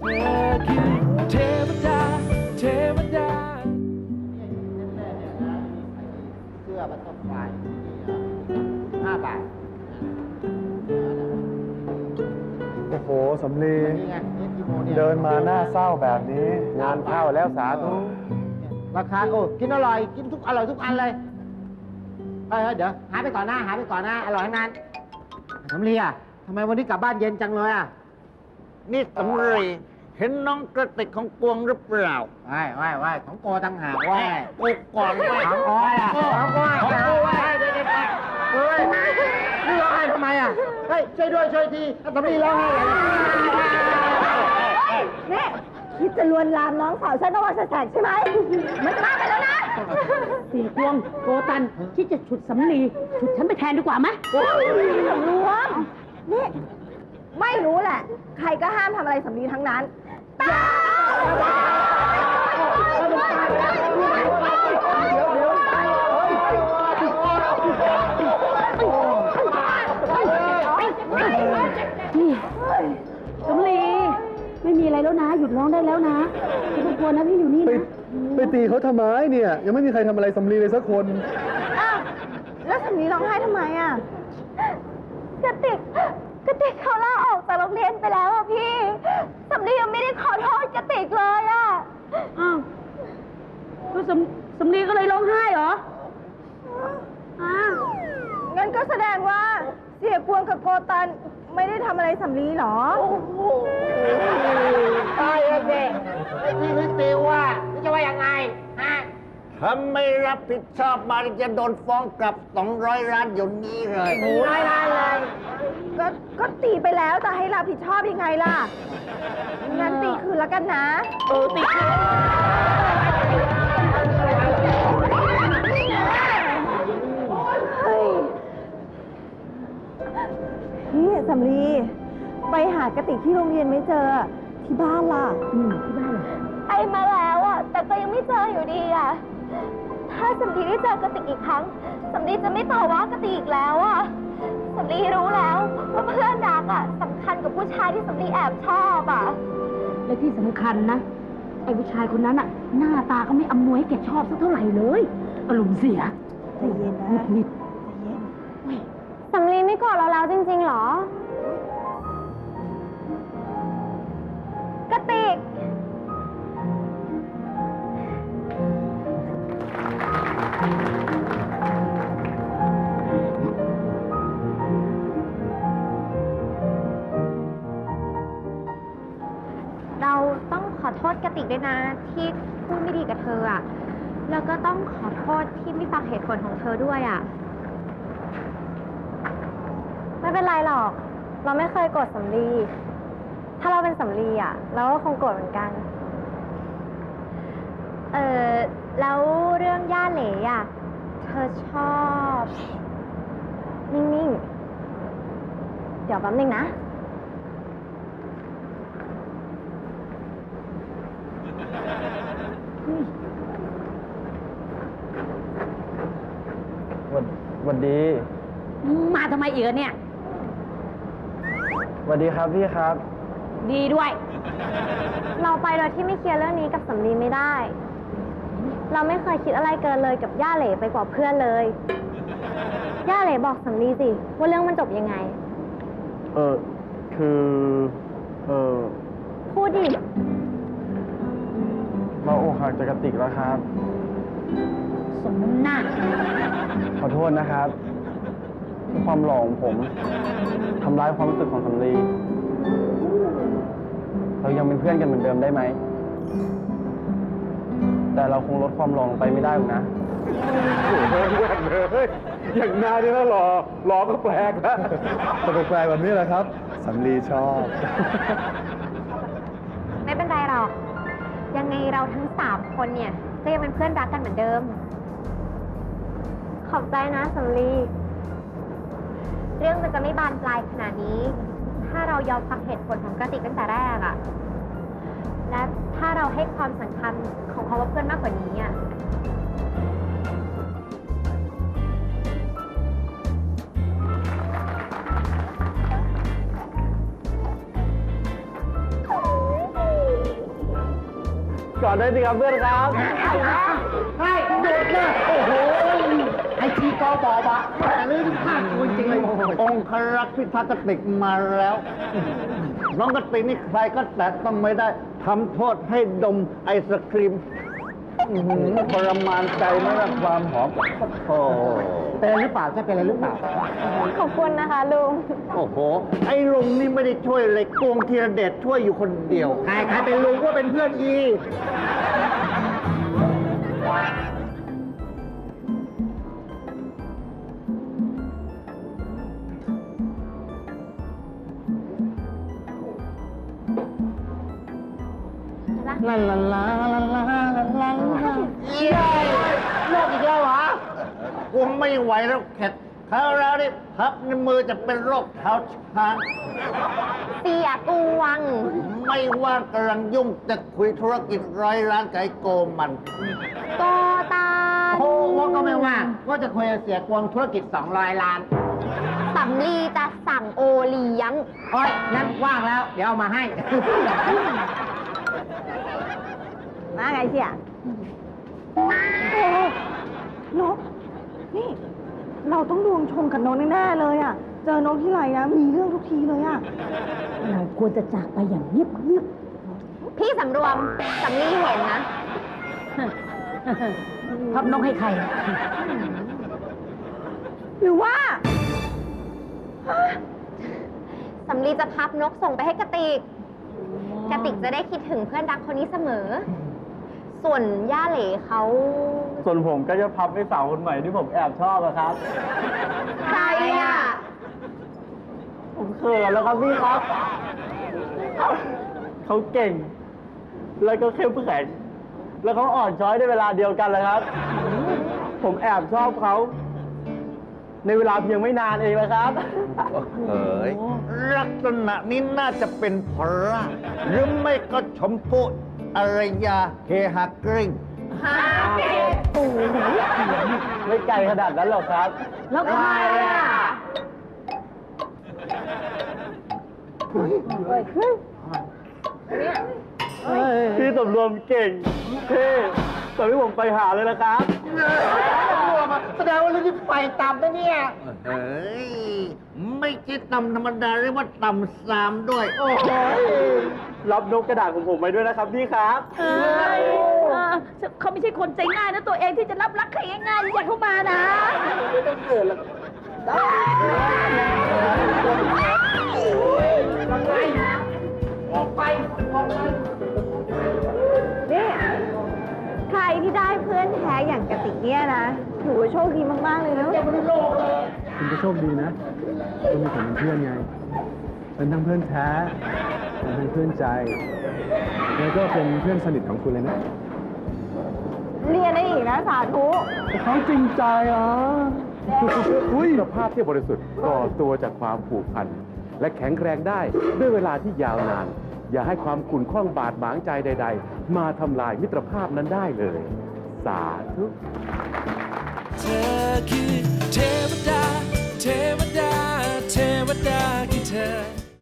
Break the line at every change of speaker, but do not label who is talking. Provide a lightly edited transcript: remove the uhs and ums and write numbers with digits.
คือเทวดาเทวดา
เสื้อบัตเตอร์ฟลาย5 บาท
โอ้โหสำลี
นี่ไงนี่กิโมเนี่ย
เดินมาหน้าเศร้าแบบนี้ งานเข้าแล้วสาธุ
ราคาโอ้กินอร่อยกินทุกอร่อยทุกอันเลยเฮ้ยเดี๋ยวหาไปก่อนนะอร่อยทั้งนั้นสำลีอ่ะทำไมวันนี้กลับบ้านเย็นจังเลยอ่ะ
นี่สำลีเห็นน้องกระติกของกวงหรือเปล่า
ว่ายของโกต่างหากว่าย
กูก่อนไว้
ของอ้อยอ่ะของอ้อยของอ้อยเดี๋ยวเฮ้ยนี่ร้องไห้ทำไมอ่ะเฮ้ยช่วยด้วยช่วยทีสำลีร้องไห้เลย
นี่คิดจะลวนลามน้องสาวฉันนวัแสกใช่ไหมมันจะมากไปแล้วนะ
เสียกวงโกตันที่จะฉุดสำลีฉุดฉันไปแทนดีกว่าไหม
สำรวมนี่ไม่รู้แหละ ใครก็ห้ามทำอะไรสำลีทั้งนั้นตา
นี่สำลีไม่มีอะไรแล้วนะ หยุดร้องได้แล้วนะไม่ต้องกลัวนะพี่อยู่นี่
ไป
นะ
ไปตีเขาทำไมเนี่ย ยังไม่มีใครทำอะไรสำลีเลยสักคน
อ้าวแล้วสำลีร้องไห้ทำไมอ่ะกระติกเขาลาออกจากโรงเรียนไปแล้วอ่ะพี่สำลียังไม่ได้ขอโทษกระติกเลยอ่ะ
อ้าวก็สำลีก็เลยร้องไห้เหรออ้าว
งั้นก็แสดงว่าเสียกวงกับโกตันไม่ได้ทำอะไรสำลีหรอ
ตายแล้วสิพี่นิติว่าพี่จะว่ายังไงฮะ
ถ้าไม่รับผิดชอบมาจะโดนฟ้องกลับ200 ล้านอยู่นี้เลย
ไม่ได้เลยก็ตีไปแล้วจะให้รับผิดชอบยังไงล่ะ งั้นตีคืนแล้วกันนะตีคืนนี่สำลีไปหากระติกที่โรงเรียนไม่เจอ ที่บ้านล่ะที่บ้านเหรอไอมาแล้วอ่ะ แต่ก็ยังไม่เจออยู่ดีอ่ะ ถ้าสำลีได้เจอกระติกอีกครั้งสำลีจะไม่ต่อว่ากระติกอีกแล้วอ่ะสำลีรู้แล้วว่าเพื่อนรักอ่ะสำคัญกับผู้ชายที่สำลีแอบชอบอ่ะ
และที่สำคัญนะไอ้ผู้ชายคนนั้นอะหน้าตาก็ไม่อำนวยให้แกชอบสักเท่าไหร่เลยอารมณ์เสีย
ใจเย็นนะ
นิด
สำลีไม่โกรธเราแล้วจริงๆหรอ กระติกเราต้องขอโทษกระติกด้วยนะที่พูดไม่ดีกับเธออะแล้วก็ต้องขอโทษที่ไม่ฟังเหตุผลของเธอด้วยอะไม่เป็นไรหรอก เราไม่เคยโกรธสำลีถ้าเราเป็นสำลีอะเราก็คงโกรธเหมือนกันแล้วเรื่องย่าเหล่อะเธอชอบนิ่งๆเดี๋ยวแป๊บนึงนะ
วันดี
มาทำไมอีกอะเนี่ย
วันดีครับพี่ครับ
ดีด้วย
เราไปโดยที่ไม่เคลียร์เรื่องนี้กับสำลีไม่ได้ เราไม่เคยคิดอะไรเกินเลยกับย่าเหล่ไปกว่าเพื่อนเลย ย่าเหล่บอกสำลีสิว่าเรื่องมันจบยังไง
คือ
พูดดิ
เราอกหักจากกระติกแล้วครับ
สมน้ำหน้า
ขอโทษนะครับที่ความหล่อของผมทำร้ายความรู้สึกของสำลีเรายังเป็นเพื่อนกันเหมือนเดิมได้ไหม แต่เราคงลดความหล่อลงไปไม่ได้หรอกนะโอ้โหเลยอย่างนายนี่นะหล่อก็แปลกนะแต่แปลกแบบนี้แหละครับสำลีชอบ
ไม่เป็นไรหรอก ยังไงเราทั้ง3 คนเนี่ยก็ยังเป็นเพื่อนรักกันเหมือนเดิม ขอบใจนะสำลีเรื่องมันจะไม่บานปลายขนาดนี้ ถ้าเรายอมฟังเหตุผลของกระติกตั้งแต่แรกอะและถ้าเราให้ความสำคัญของคำว่าเพื่อนมากกว่านี้อะ
ก่อนได้สิครับเพื่อนครับ
ให้หยุดเลยโอ้โห ไอทีกอบอกอะแต่เรื่องภาคจริงๆเลย
องครักษ์พิทักษ์กติกมาแล้ว น้องกติกนี่ใครก็แตะต้องไม่ได้ทำโทษให้ดมไอศครีมทรมานใจไม่รับความหอมโอ้โห
เป็นอะไรหรือเปล่าใช่เป็นอะไรหรือเปล่า
ขอบคุณนะคะลุง
โอ้โห ไอ้ลุงนี่ไม่ได้ช่วยเลยกวงธีรเดชช่วยอยู่คนเดียว
ใครเป็นลุงก็เป็นเพื่อนอี
ลาลาลาลาลาลาลาเย้
โลกอีกแล้วเหรอ
กูไม่ไหวแล้วแขกคราวแล้วนี่พับในมือจะเป็นโรคเท้าช้าง
เสียกวง
ไม่ว่างกำลังยุ่งจะคุยธุรกิจ100 ล้านไก่โกมัน
โกตา
โอ้ว่าก็ไม่ว่าก็จะคุยกับเสียกวงธุรกิจ200 ล้าน
สำลีจะสั่งโอเลี้ยง
โอ้ยงั้นว่างแล้ว เดี๋ยวเอามาให้
มาไงเสียนก นี่ เราต้องดวงชงกับนกแน่ๆเลยอ่ะ เจอนกที่ไรนะ มีเรื่องทุกทีเลยอ่ะ
เราควรจะจากไปอย่างเงียบเงียบ
พี่สำรวมสำลีเห็นนะ
พับนกให้ใคร
หรือว่าสำลีจะพับนกส่งไปให้กระติก กระติกจะได้คิดถึงเพื่อนรักคนนี้เสมอ ส่วนย่าเหล่เขา
ส่วนผมก็จะพับให้สาวคนใหม่ที่ผมแอบชอบอะครับ
ใครอ่ะ
ผมเขินแล้วครับพี่ครับ เขาเก่ง แล้วก็เข้มแข็ง แล้วเขาอ่อนช้อยในเวลาเดียวกันเลยครับ ผมแอบชอบเขา ในเวลาเพียงไม่นานเองนะครับ
เฮ้ยลักษณะนี้น่าจะเป็นพระหรือไม่ก็ชมพู่อารยาเฮฮากริง
ไม่ไกลขนาดนั้นหรอกครับ
แล้วใครอ่ะ
พี่สำรวมเก่งเท่แต่พี่ผมไปหาเลยนะครับ
แสดงว่าเรื่องที่ไปตามนะเนี่ย
เฮ้ย ไม่ใช่ตำธรรมดาเรียกว่าตำสามด้วย
โอ้โห
รับนกกระดาษของผมไปด้วยนะครับพี่ครับ
เขาไม่ใช่คนใจง่ายนะตัวเองที่จะรับรักใครง่ายๆอย่าเข้ามานะ
นี่ ใครที่ได้เพื่อนแท้อย่างกระติกเนี่ยนะ ถือว่าโชคดีมากๆเลยนะ
คุณก็โชคดีนะคุณมีผมเป็นเพื่อนไง เป็นทั้งเพื่อนแท้ เป็นทั้งเพื่อนใจ แล้วก็เป็นเพื่อนสนิทของคุณเลยนะ
เรียนได้อีกนะสาธุ
เขาจริงใจอ่ะมิตรภาพที่บริสุทธิ์ก่อตัวจากความผูกพัน และแข็งแรงได้ด้วยเวลาที่ยาวนาน อย่าให้ความขุ่นข้องบาดหมางใจใด ๆ มาทำลายมิตรภาพนั้นได้เลย สาธุ
เธอคือเทวดา เทวดา เทวดาคือเธอ